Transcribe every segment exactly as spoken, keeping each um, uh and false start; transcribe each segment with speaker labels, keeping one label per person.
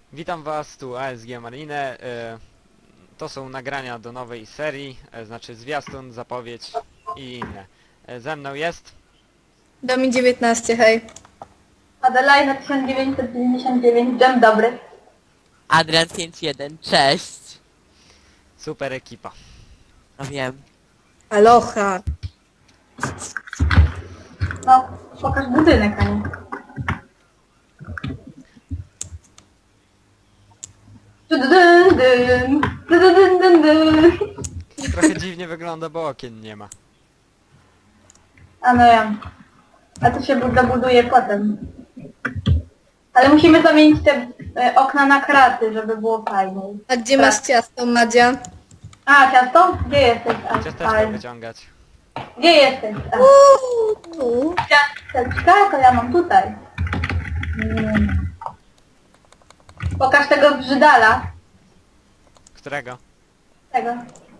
Speaker 1: Witam was, tu A S G Marine. E, to są nagrania do nowej serii, e, znaczy zwiastun, zapowiedź i inne. E, ze mną jest...
Speaker 2: Domi dziewiętnaście, hej.
Speaker 3: Adelina tysiąc dziewięćset dziewięćdziesiąt dziewięć, dzień dobry.
Speaker 4: Adrian pięć jeden, cześć.
Speaker 1: super ekipa.
Speaker 4: No wiem.
Speaker 2: Aloha.
Speaker 3: No, pokaż budynek, a nie. Dun, dun, dun, dun, dun, dun.
Speaker 1: Trochę dziwnie wygląda, bo okien nie ma.
Speaker 3: A no ja. A to się dobuduje potem. Ale musimy zamienić te e, okna na kraty, żeby było fajniej.
Speaker 2: A gdzie
Speaker 3: Tak.
Speaker 2: masz ciasto, Madzia?
Speaker 3: A, ciasto? Gdzie jesteś? A,
Speaker 1: Ciasteczko
Speaker 3: fajnie.
Speaker 1: wyciągać.
Speaker 3: Gdzie jesteś? A,
Speaker 2: Uuu, tu.
Speaker 3: ciasteczka? To ja mam tutaj. Mm. Pokaż tego brzydala.
Speaker 1: Którego?
Speaker 3: Tego.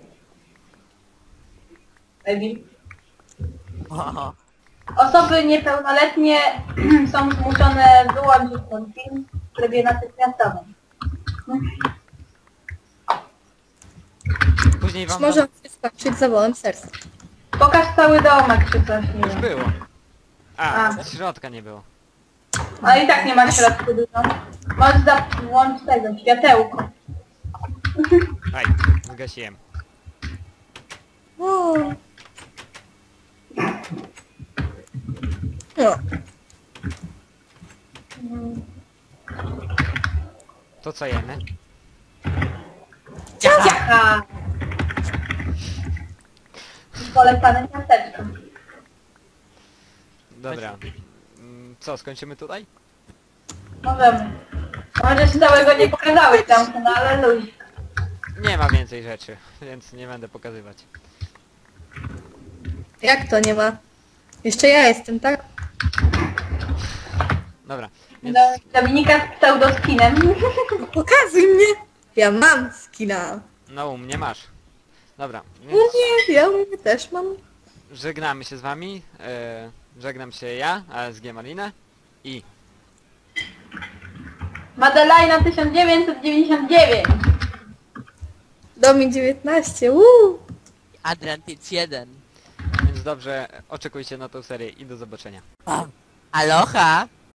Speaker 3: Baby.
Speaker 4: O,
Speaker 3: Osoby niepełnoletnie są zmuszone wyłączyć ten film w trybie natychmiastowym.
Speaker 1: Później wam...
Speaker 2: Może się skończyć zawałem serca.
Speaker 3: Pokaż cały domek czy coś, nie
Speaker 1: Już
Speaker 3: wiem.
Speaker 1: było. A,
Speaker 3: A.
Speaker 1: środka nie było.
Speaker 3: No i tak nie ma środku dużo. Możesz włączyć tego, światełko.
Speaker 1: Aj, zgasiłem.
Speaker 2: Uuu. No.
Speaker 1: To co jemy?
Speaker 3: Ciacha! Polecane ciasteczko.
Speaker 1: Dobra. Mm, Co, skończymy tutaj?
Speaker 3: Możemy. Może się całego nie pokazałeś tam, no ale luź.
Speaker 1: Nie ma więcej rzeczy, więc nie będę pokazywać.
Speaker 2: Jak to nie ma? Jeszcze ja jestem, tak?
Speaker 1: Dobra, więc...
Speaker 3: Do, Dominika z pseudoskinem.
Speaker 2: Pokazuj mnie! Ja mam skina.
Speaker 1: No, u mnie masz. Dobra,
Speaker 2: No
Speaker 1: więc
Speaker 2: nie, ja u mnie też mam.
Speaker 1: żegnamy się z wami. E, żegnam się ja, A S G Marine i...
Speaker 3: Madelina tysiąc dziewięćset dziewięćdziesiąt dziewięć.
Speaker 2: Domi dziewiętnaście, uuu.
Speaker 4: Adrian pięć jeden.
Speaker 1: Więc dobrze, oczekujcie na tą serię i do zobaczenia.
Speaker 4: Aloha.